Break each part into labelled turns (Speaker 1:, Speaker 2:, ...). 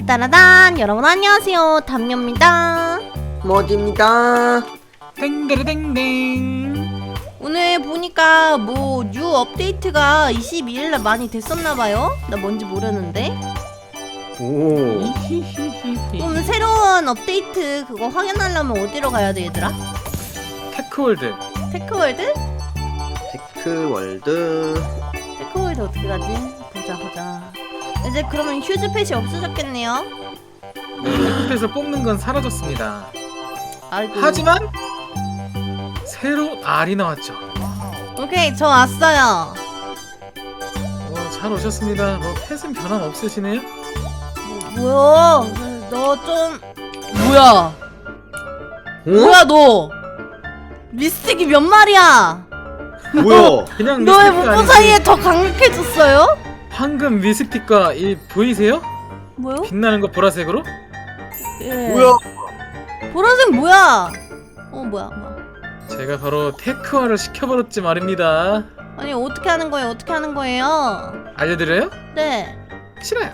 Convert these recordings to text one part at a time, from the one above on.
Speaker 1: 딴따라단 여러분 안녕하세요 담요입니다.
Speaker 2: 머지입니다.
Speaker 3: 땡데르땡땡.
Speaker 1: 오늘 보니까 뭐 뉴 업데이트가 22일날 많이 됐었나봐요. 나 뭔지 모르는데.
Speaker 2: 오.
Speaker 1: 그럼 새로운 업데이트 그거 확인하려면 어디로 가야 돼 얘들아?
Speaker 3: 테크월드.
Speaker 1: 테크월드?
Speaker 2: 테크월드.
Speaker 1: 테크월드 어떻게 가지? 보자. 이제 그러면 휴즈팻이 없어졌겠네요.
Speaker 3: 테크펫을 뽑는 건 사라졌습니다.
Speaker 1: 아이고.
Speaker 3: 하지만 새로운 알이 나왔죠.
Speaker 1: 오케이 저 왔어요.
Speaker 3: 잘 오셨습니다. 펫은 변함 없으시네요?
Speaker 1: 뭐야? 너 좀 뭐야?
Speaker 2: 응?
Speaker 1: 뭐야 너? 미스틱이 몇 마리야?
Speaker 2: 뭐야?
Speaker 3: 그냥
Speaker 1: 너의
Speaker 3: 미스틱
Speaker 1: 문보
Speaker 3: 아니고
Speaker 1: 사이에 더 강력해졌어요?
Speaker 3: 황금 미스틱과 이 보이세요?
Speaker 1: 뭐요?
Speaker 3: 빛나는 거 보라색으로?
Speaker 1: 예.
Speaker 2: 뭐야?
Speaker 1: 보라색 뭐야? 뭐야?
Speaker 3: 제가 바로 테크화를 시켜버렸지 말입니다.
Speaker 1: 아니 어떻게 하는 거예요? 어떻게 하는 거예요?
Speaker 3: 알려드려요?
Speaker 1: 네.
Speaker 3: 싫어요.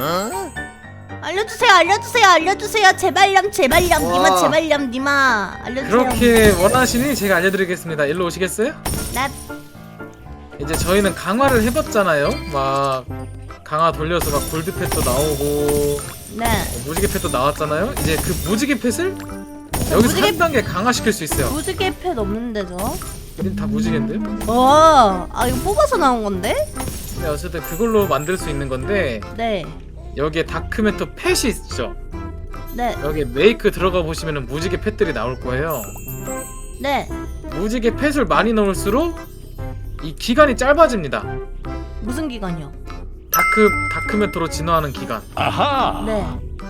Speaker 1: 알려주세요. 제발렴 니마
Speaker 2: 와.
Speaker 1: 제발렴 니마 알려주세요.
Speaker 3: 그렇게 원하시니 제가 알려드리겠습니다. 일로 오시겠어요?
Speaker 1: 나
Speaker 3: 이제 저희는 강화를 해봤잖아요. 막 강화 돌려서 막 골드펫도 나오고
Speaker 1: 네.
Speaker 3: 무지개 펫도 나왔잖아요. 이제 그 무지개 펫을 여기서
Speaker 1: 무지개-
Speaker 3: 한 단계 강화시킬 수 있어요.
Speaker 1: 무지개 펫 없는데 저?
Speaker 3: 우린 다 무지개인데요?
Speaker 1: 이거 뽑아서 나온 건데?
Speaker 3: 네, 어쨌든 그걸로 만들 수 있는 건데
Speaker 1: 네.
Speaker 3: 여기에 다크메터 펫이 있죠.
Speaker 1: 네.
Speaker 3: 여기에 메이크 들어가 보시면은 무지개 펫들이 나올 거예요.
Speaker 1: 네.
Speaker 3: 무지개 펫을 많이 넣을수록 이 기간이 짧아집니다.
Speaker 1: 무슨 기간이요?
Speaker 3: 다크메터로 진화하는 기간.
Speaker 1: 네.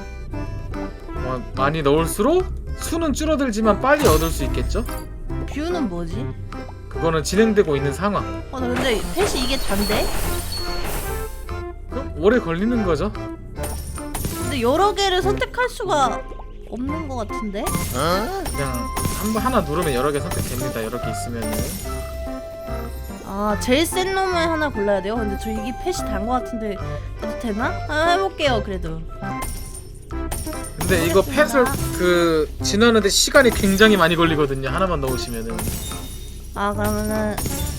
Speaker 3: 많이 넣을수록 수는 줄어들지만 빨리 얻을 수 있겠죠?
Speaker 1: 뷰는 뭐지?
Speaker 3: 그거는 진행되고 있는 상황.
Speaker 1: 나 근데 펫이 이게 단데?
Speaker 3: 그럼 오래 걸리는 거죠.
Speaker 1: 근데 여러 개를 선택할 수가 없는 것 같은데?
Speaker 3: 그냥 하나 누르면 여러 개 선택됩니다. 여러 개 있으면은.
Speaker 1: 제일 센 놈을 하나 골라야 돼요? 근데 저 이게 펫이 단 것 같은데 해도 되나? 해볼게요 그래도.
Speaker 3: 근데 이거 펫을 진화하는데 시간이 굉장히 많이 걸리거든요. 하나만 넣으시면은.
Speaker 1: 그러면은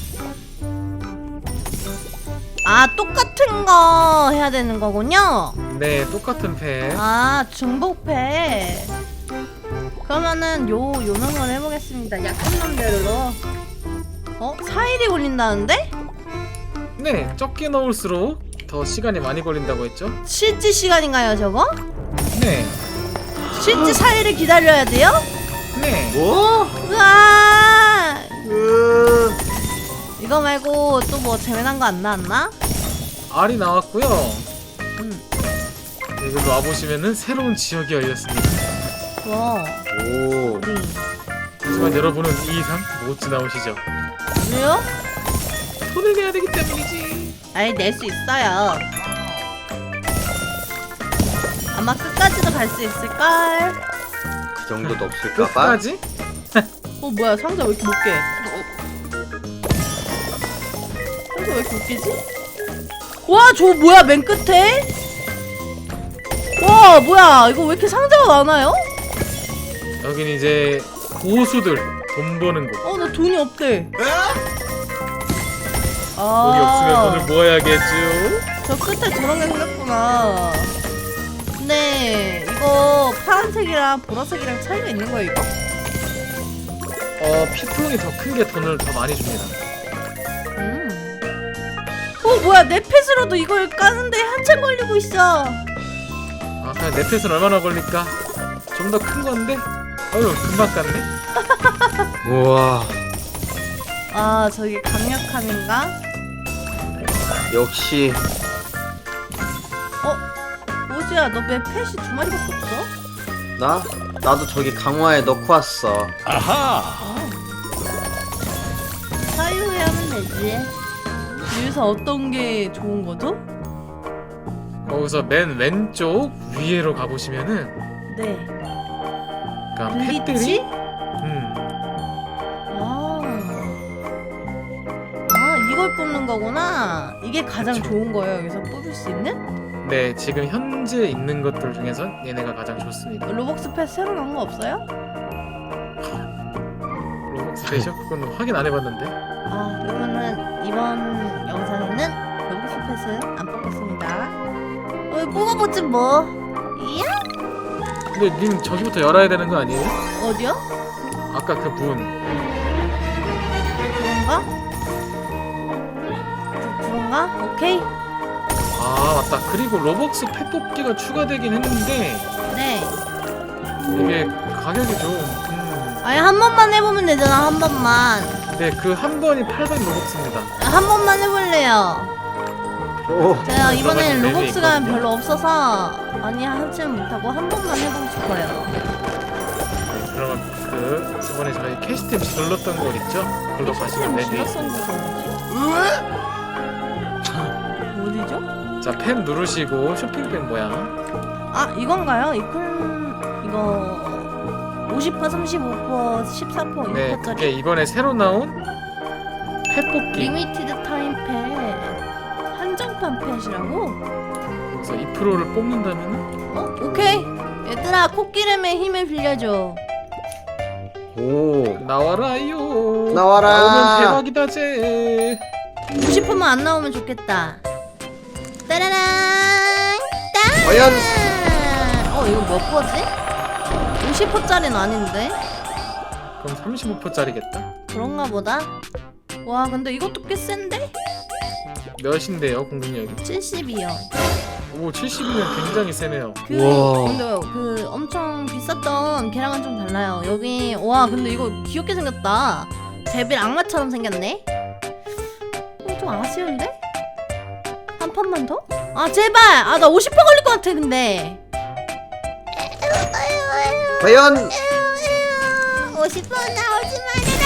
Speaker 1: 똑같은 거 해야 되는 거군요?
Speaker 3: 네, 똑같은 펫.
Speaker 1: 중복패. 그러면은 요명을 해보겠습니다. 약한 놈대로. 4일이 걸린다는데?
Speaker 3: 네, 적게 넣을수록 더 시간이 많이 걸린다고 했죠?
Speaker 1: 실제 시간인가요 저거?
Speaker 3: 네,
Speaker 1: 실제 4일을 기다려야 돼요?
Speaker 3: 네.
Speaker 2: 뭐?
Speaker 1: 으아!
Speaker 2: 으.
Speaker 1: 이거 말고 또 뭐 재미난 거 안 나왔나?
Speaker 3: 알이 나왔고요.
Speaker 1: 음.
Speaker 3: 여기로 와보시면은 새로운 지역이 열렸습니다.
Speaker 1: 와.
Speaker 2: 오.
Speaker 3: 하지만 여러분은 이 이상 못 지나오시죠?
Speaker 1: 왜요?
Speaker 3: 돈을 내야 되기 때문이지.
Speaker 1: 낼 수 있어요. 아마 끝까지도 갈 수 있을걸?
Speaker 2: 그 정도도 없을까봐.
Speaker 3: 끝까지?
Speaker 1: 뭐야 상자 왜 이렇게 못 깨? 상자 왜 이렇게 웃기지? 와 저 뭐야 맨 끝에? 와 뭐야 이거 왜 이렇게 상자가 많아요?
Speaker 3: 여긴 이제 고수들 돈 버는 곳.
Speaker 1: 나 돈이 없대.
Speaker 3: 돈이 없으면 돈을 모아야겠죠.
Speaker 1: 저 끝에 저런 게 생겼구나. 근데 이거 파란색이랑 보라색이랑 차이가 있는 거야 이거?
Speaker 3: 피플론이 더 큰 게 돈을 더 많이 줍니다.
Speaker 1: 뭐야 내 펫으로도 이걸 까는데 한참 걸리고 있어.
Speaker 3: 그냥 내 펫은 얼마나 걸릴까? 좀 더 큰 건데? 금방 깠네?
Speaker 2: 우와.
Speaker 1: 저기 강력함인가?
Speaker 2: 역시.
Speaker 1: 오지야 너 왜 펫이 2마리밖에 없어?
Speaker 2: 나도 저기 강화에 넣고 왔어.
Speaker 1: 사유에 하면 되지. 여기서 어떤 게 좋은 거죠?
Speaker 3: 거기서 맨 왼쪽 위에로 가보시면은
Speaker 1: 네.
Speaker 3: 그러니까
Speaker 1: 블리치?
Speaker 3: 펫들이
Speaker 1: 이걸 뽑는 거구나. 이게 가장
Speaker 3: 그쵸.
Speaker 1: 좋은 거예요 여기서 뽑을 수 있는?
Speaker 3: 네, 지금 현재 있는 것들 중에서 얘네가 가장 좋습니다.
Speaker 1: 로벅스 패스 새로 나온 거 없어요?
Speaker 3: 로벅스 패션? 그건 확인 안 해봤는데.
Speaker 1: 아, 그러면은 이번 영상에는 로벅스 패스 안 뽑겠습니다. 뽑아보지 뭐. 이야?
Speaker 3: 근데 님 저기부터 열어야 되는 거 아니에요?
Speaker 1: 어디요?
Speaker 3: 아까 그 분.
Speaker 1: 그런가? 그런가? 오케이.
Speaker 3: 아 맞다. 그리고 로벅스 펫 뽑기가 추가되긴 했는데
Speaker 1: 네.
Speaker 3: 이게 가격이 좀
Speaker 1: 아니 한 번만 해보면 되잖아. 한 번만.
Speaker 3: 네, 그 한 번이 800로벅스입니다.
Speaker 1: 한 번만 해볼래요.
Speaker 2: 오.
Speaker 1: 제가 이번에는
Speaker 3: 맵이
Speaker 1: 로벅스가
Speaker 3: 있거든요.
Speaker 1: 별로 없어서 많이 하지는 못하고 한 번만 해보고 싶어요.
Speaker 3: 그러면 그 저번에 저희 캐시템 질렀던 곳 있죠? 그걸로 가시면 네, 네.
Speaker 1: 지났던 곳은 어디죠?
Speaker 3: 자, 펜 누르시고 쇼핑백 모양.
Speaker 1: 아 이건가요? 이거 50%, 35%, 14%,
Speaker 3: 네,
Speaker 1: 6%짜리
Speaker 3: 그게 이번에 새로 나온 펫 뽑기.
Speaker 1: 리미티드 타임 펫 한정판 펫이라고?
Speaker 3: 그래서 2%를 뽑는다면은
Speaker 1: 오케이. 얘들아 코끼름의 힘을 빌려줘.
Speaker 2: 오.
Speaker 3: 나와라요.
Speaker 2: 나와라.
Speaker 3: 나오면 대박이다 제.
Speaker 1: 90%만 안 나오면 좋겠다. 따라란 딴.
Speaker 2: 과연?
Speaker 1: 이거 몇 퍼지? 50%짜리는 아닌데?
Speaker 3: 그럼 35%짜리겠다.
Speaker 1: 그런가 보다. 와 근데 이것도 꽤 센데?
Speaker 3: 몇인데요, 공격력이?
Speaker 1: 70이요.
Speaker 3: 오, 70이면 굉장히 세네요.
Speaker 2: 우와.
Speaker 1: 근데 그 엄청 비쌌던 걔랑은 좀 달라요. 여기 와 근데 이거 귀엽게 생겼다. 데빌 악마처럼 생겼네. 좀 아쉬운데? 한 판만 더? 아 제발! 아 나 50% 걸릴 것 같아 근데.
Speaker 2: 과연?
Speaker 1: 50% 나오지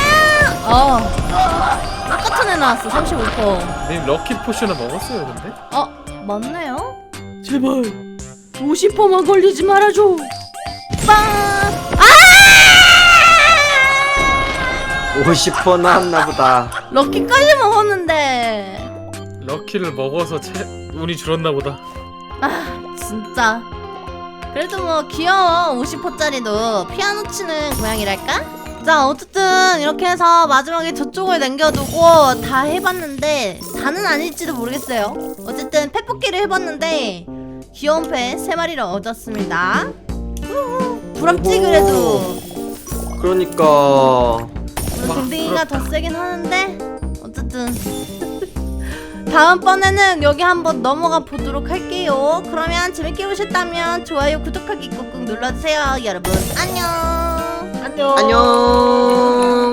Speaker 1: 말아라. 똑같은 애 나왔어. 35%.
Speaker 3: 님 럭키 포션을 먹었어요, 근데?
Speaker 1: 맞네요. 제발 50%만 걸리지 말아줘. 빵!
Speaker 2: 50% 나왔나 보다.
Speaker 1: 럭키까지 먹었는데.
Speaker 3: 럭키를 먹어서 운이 줄었나 보다.
Speaker 1: 진짜. 그래도 뭐 귀여워. 50%짜리도 피아노 치는 고양이랄까? 자 어쨌든 이렇게 해서 마지막에 저쪽을 남겨두고 다 해봤는데 다는 아닐지도 모르겠어요. 어쨌든 펫 뽑기를 해봤는데 귀여운 펫 3마리를 얻었습니다. 부럽지 그래도.
Speaker 2: 그러니까.
Speaker 1: 물론 댕댕이가 더 세긴 하는데 어쨌든 다음번에는 여기 한번 넘어가 보도록 할게요. 그러면 재밌게 보셨다면 좋아요 구독하기 꾹꾹 눌러주세요. 여러분 안녕.
Speaker 2: 안녕.